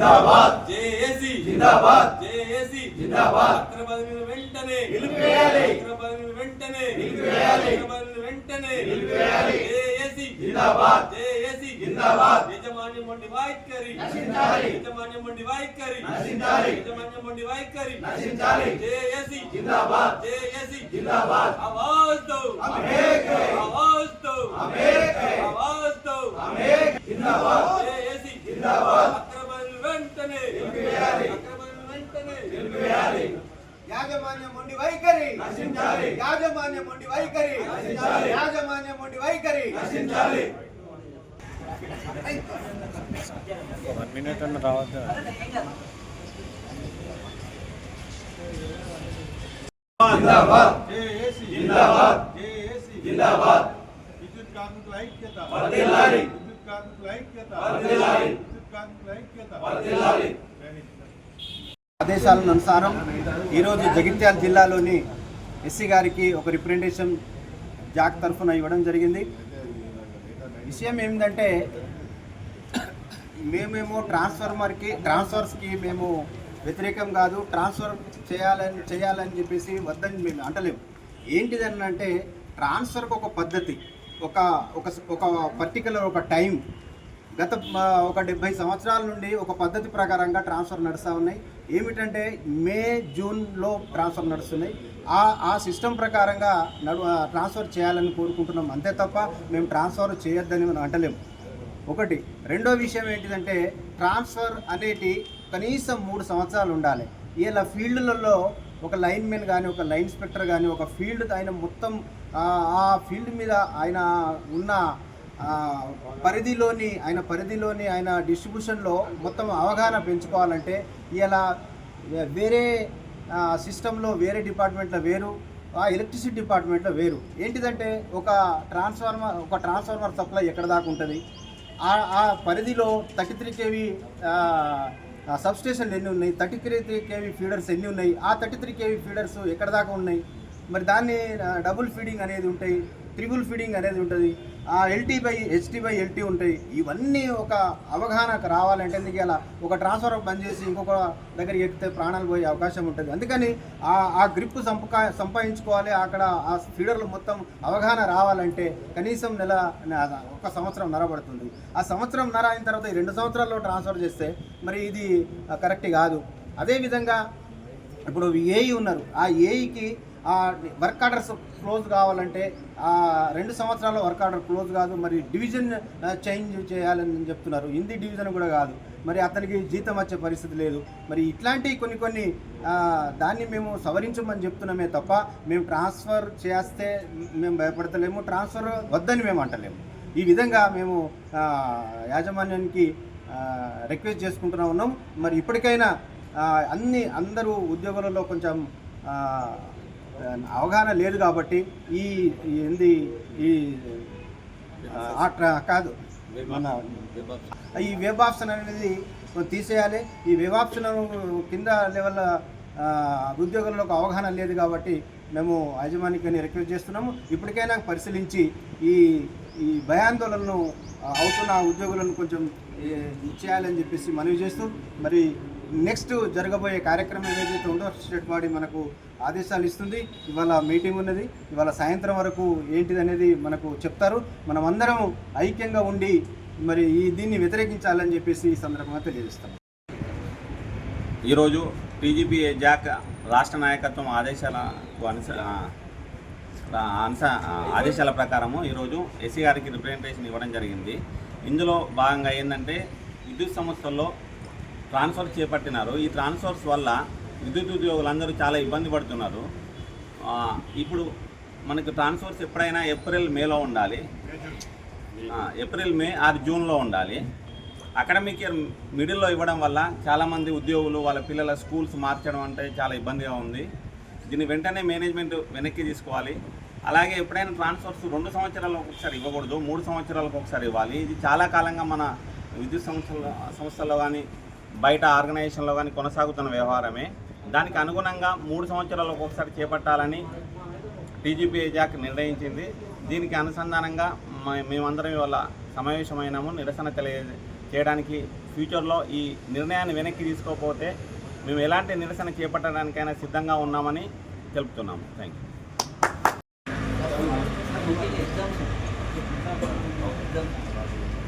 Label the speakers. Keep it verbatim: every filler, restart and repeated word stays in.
Speaker 1: జిందాబాద్
Speaker 2: JAC
Speaker 1: జిందాబాద్
Speaker 2: JAC
Speaker 1: జిందాబాద్
Speaker 2: అక్రమాలను వెంటనే
Speaker 1: నిలిపివేయాలి
Speaker 2: అక్రమాలను వెంటనే
Speaker 1: నిలిపివేయాలి
Speaker 2: అక్రమాలను వెంటనే
Speaker 1: నిలిపివేయాలి
Speaker 2: జేఏసీ
Speaker 1: జిందాబాద్
Speaker 2: జేఏసీ
Speaker 1: జిందాబాద్
Speaker 2: యజమాన్యం వంటి వైఖరి
Speaker 1: నశించాలి
Speaker 2: యజమాన్యం వంటి వైఖరి
Speaker 1: నశించాలి
Speaker 2: యజమాన్యం వంటి వైఖరి
Speaker 1: నశించాలి
Speaker 2: జేఏసీ
Speaker 1: జిందాబాద్
Speaker 2: జేఏసీ
Speaker 1: జిందాబాద్
Speaker 2: आवाज दो
Speaker 1: हम एक हैं
Speaker 2: आवाज दो
Speaker 1: हम एक हैं
Speaker 2: आवाज दो
Speaker 1: हम एक जिंदाबाद
Speaker 2: జేఏసీ
Speaker 1: జిందాబాద్
Speaker 2: అక్రమాలను వెంటనే
Speaker 1: నిలిపివేయాలి
Speaker 2: అక్రమాలను వెంటనే
Speaker 1: నిలిపివేయాలి
Speaker 3: యాజమాన్యం ఉండి వైఖరి
Speaker 1: నశించాలి
Speaker 3: యాజమాన్యం ఉండి వైఖరి
Speaker 1: నశించాలి
Speaker 3: యాజమాన్యం ఉండి వైఖరి
Speaker 1: నశించాలి
Speaker 4: వన్ మినిట్ అన్న రావద్దు.
Speaker 1: జిందాబాద్
Speaker 5: జేఏసీ
Speaker 1: జిందాబాద్
Speaker 5: జేఏసీ
Speaker 1: జిందాబాద్
Speaker 5: విద్యుత్ కార్మికుల ఐక్యత
Speaker 1: వర్ధిల్లాలి
Speaker 5: విద్యుత్ కార్మికుల ఐక్యత
Speaker 1: వర్ధిల్లాలి
Speaker 5: విద్యుత్ కార్మికుల ఐక్యత
Speaker 1: వర్ధిల్లాలి
Speaker 3: ఆదేశాల అనుసారం ఈరోజు జగిత్యాల జిల్లాలోని ఎస్సీ గారికి ఒక రిప్రజెంటేషన్ జాక్ తరఫున ఇవ్వడం జరిగింది. విషయం ఏమిటంటే మేమేమో ట్రాన్స్ఫార్మర్కి ట్రాన్స్ఫర్స్కి మేము వ్యతిరేకం కాదు, ట్రాన్స్ఫర్ చేయాలని చేయాలని చెప్పేసి వద్దని మేము అంటలేము. ఏంటిదని అంటే ట్రాన్స్ఫర్కి ఒక పద్ధతి, ఒక ఒక ఒక పర్టికులర్ ఒక టైం, గత ఒక డెబ్బై సంవత్సరాల నుండి ఒక పద్ధతి ప్రకారంగా ట్రాన్స్ఫర్ నడుస్తూ ఉన్నాయి. ఏమిటంటే మే జూన్లో ట్రాన్స్ఫర్ నడుస్తున్నాయి. ఆ ఆ సిస్టమ్ ప్రకారంగా నడు ట్రాన్స్ఫర్ చేయాలని కోరుకుంటున్నాం, అంతే తప్ప మేము ట్రాన్స్ఫర్ చేయొద్దని మనం అంటలేము. ఒకటి. రెండో విషయం ఏంటిదంటే ట్రాన్స్ఫర్ అనేది కనీసం మూడు సంవత్సరాలు ఉండాలి. ఇలా ఫీల్డ్లలో ఒక లైన్ మెన్ కానీ ఒక లైన్ ఇన్స్పెక్టర్ కానీ ఒక ఫీల్డ్ ఆయన మొత్తం ఆ ఫీల్డ్ మీద ఆయన ఉన్న పరిధిలోని ఆయన పరిధిలోని ఆయన డిస్ట్రిబ్యూషన్లో మొత్తం అవగాహన పెంచుకోవాలంటే ఇలా వేరే సిస్టంలో వేరే డిపార్ట్మెంట్లో వేరు, ఆ ఎలక్ట్రిసిటీ డిపార్ట్మెంట్లో వేరు. ఏంటిదంటే ఒక ట్రాన్స్ఫార్మర్ ఒక ట్రాన్స్ఫార్మర్ సప్లై ఎక్కడ దాకా ఉంటుంది, ఆ పరిధిలో థర్టీ త్రీ కేవీ సబ్స్టేషన్లు ఎన్ని ఉన్నాయి, thirty three three KV feeders ఎన్ని ఉన్నాయి, ఆ థర్టీ త్రీ కేవీ ఫీడర్స్ ఎక్కడ దాకా ఉన్నాయి, మరి దాన్ని డబుల్ ఫీడింగ్ అనేది ఉంటాయి, ట్రిపుల్ ఫీడింగ్ అనేది ఉంటుంది, ఆ LT by HT by LT ఉంటాయి. ఇవన్నీ ఒక అవగాహనకు రావాలంటే ఎందుకు ఇలా ఒక ట్రాన్స్ఫర్ బంద్ చేసి ఇంకొక దగ్గరికి ఎక్కితే ప్రాణాలు పోయే అవకాశం ఉంటుంది. అందుకని ఆ ఆ గ్రిప్ సంపా సంపాదించుకోవాలి. అక్కడ ఆ ఫీడర్లు మొత్తం అవగాహన రావాలంటే కనీసం నెల ఒక సంవత్సరం నర పడుతుంది. ఆ సంవత్సరం నర అయిన తర్వాత ఈ రెండు సంవత్సరాల్లో ట్రాన్స్ఫర్ చేస్తే మరి ఇది కరెక్ట్ కాదు. అదేవిధంగా ఇప్పుడు ఏఈ ఉన్నారు, ఆ ఏఈకి ఆ వర్క్ ఆర్డర్స్ క్లోజ్ కావాలంటే ఆ రెండు సంవత్సరాల వర్క్ ఆర్డర్ క్లోజ్ కాదు, మరి డివిజన్ చేంజ్ చేయాలని చెప్తున్నారు. హిందీ డివిజన్ కూడా కాదు, మరి అతనికి జీతం వచ్చే పరిస్థితి లేదు. మరి ఇట్లాంటి కొన్ని కొన్ని దాన్ని మేము సవరించమని చెప్తున్నామే తప్ప మేము ట్రాన్స్ఫర్ చేస్తే మేము భయపడతలేము, ట్రాన్స్ఫర్ వద్దని మేము అంటలేము. ఈ విధంగా మేము యాజమాన్యానికి రిక్వెస్ట్ చేసుకుంటూనే ఉన్నాం. మరి ఇప్పటికైనా అన్ని అందరూ ఉద్యోగులలో కొంచెం అవగాహన లేదు కాబట్టి ఈ ఏంది ఈ కాదు మన ఈ వెబ్ ఆప్షన్ అనేది తీసేయాలి. ఈ వెబ్ ఆప్షన్ కింద లెవెల్ ఉద్యోగులకు అవగాహన లేదు కాబట్టి మేము యాజమాన్యాన్ని రిక్వెస్ట్ చేస్తున్నాము. ఇప్పటికైనా పరిశీలించి ఈ ఈ భయాందోళనను అవుతున్న ఉద్యోగులను కొంచెం చేయాలని చెప్పేసి మనవి చేస్తూ, మరి నెక్స్ట్ జరగబోయే కార్యక్రమం ఏదైతే ఉందో స్టేట్ బాడీ మనకు ఆదేశాలు ఇస్తుంది. ఇవాళ మీటింగ్ ఉన్నది, ఇవాళ సాయంత్రం వరకు ఏంటిది అనేది మనకు చెప్తారు. మనం అందరం ఐక్యంగా ఉండి మరి ఈ దీన్ని వ్యతిరేకించాలని చెప్పేసి ఈ సందర్భంగా తెలియజేస్తాం.
Speaker 6: ఈరోజు టీజీపీ జాక్ రాష్ట్ర నాయకత్వం ఆదేశాలకు అనుస అనుస ఆదేశాల ప్రకారము ఈరోజు ఎస్సీ గారికి రిప్రజెంటేషన్ ఇవ్వడం జరిగింది. ఇందులో భాగంగా ఏంటంటే విద్యుత్ సంస్థల్లో ట్రాన్స్ఫర్ చేపట్టినారు. ఈ ట్రాన్స్ఫర్స్ వల్ల విద్యుత్ ఉద్యోగులందరూ చాలా ఇబ్బంది పడుతున్నారు. ఇప్పుడు మనకు ట్రాన్స్ఫర్స్ ఎప్పుడైనా ఏప్రిల్ మేలో ఉండాలి, ఏప్రిల్ మే ఆరు జూన్లో ఉండాలి. అకాడమిక్ ఇయర్ మిడిల్లో ఇవ్వడం వల్ల చాలామంది ఉద్యోగులు వాళ్ళ పిల్లల స్కూల్స్ మార్చడం అంటే చాలా ఇబ్బందిగా ఉంది. దీన్ని వెంటనే మేనేజ్మెంట్ వెనక్కి తీసుకోవాలి. అలాగే ఎప్పుడైనా ట్రాన్స్ఫర్స్ రెండు సంవత్సరాలకు ఒకసారి ఇవ్వకూడదు, మూడు సంవత్సరాలకు ఒకసారి ఇవ్వాలి. ఇది చాలా కాలంగా మన విద్యుత్ సంస్థల సంస్థల్లో కానీ బయట ఆర్గనైజేషన్లో కానీ కొనసాగుతున్న వ్యవహారమే. దానికి అనుగుణంగా మూడు సంవత్సరాలకు ఒకసారి చేపట్టాలని టీజీపీ జాక్ నిర్ణయించింది. దీనికి అనుసంధానంగా మేమందరం ఇవాళ సమావేశమైనాము, నిరసన తెలియ చేయడానికి ఫ్యూచర్లో ఈ నిర్ణయాన్ని వెనక్కి తీసుకోకపోతే మేము ఎలాంటి నిరసన చేపట్టడానికైనా సిద్ధంగా ఉన్నామని తెలుపుతున్నాము. Thank you.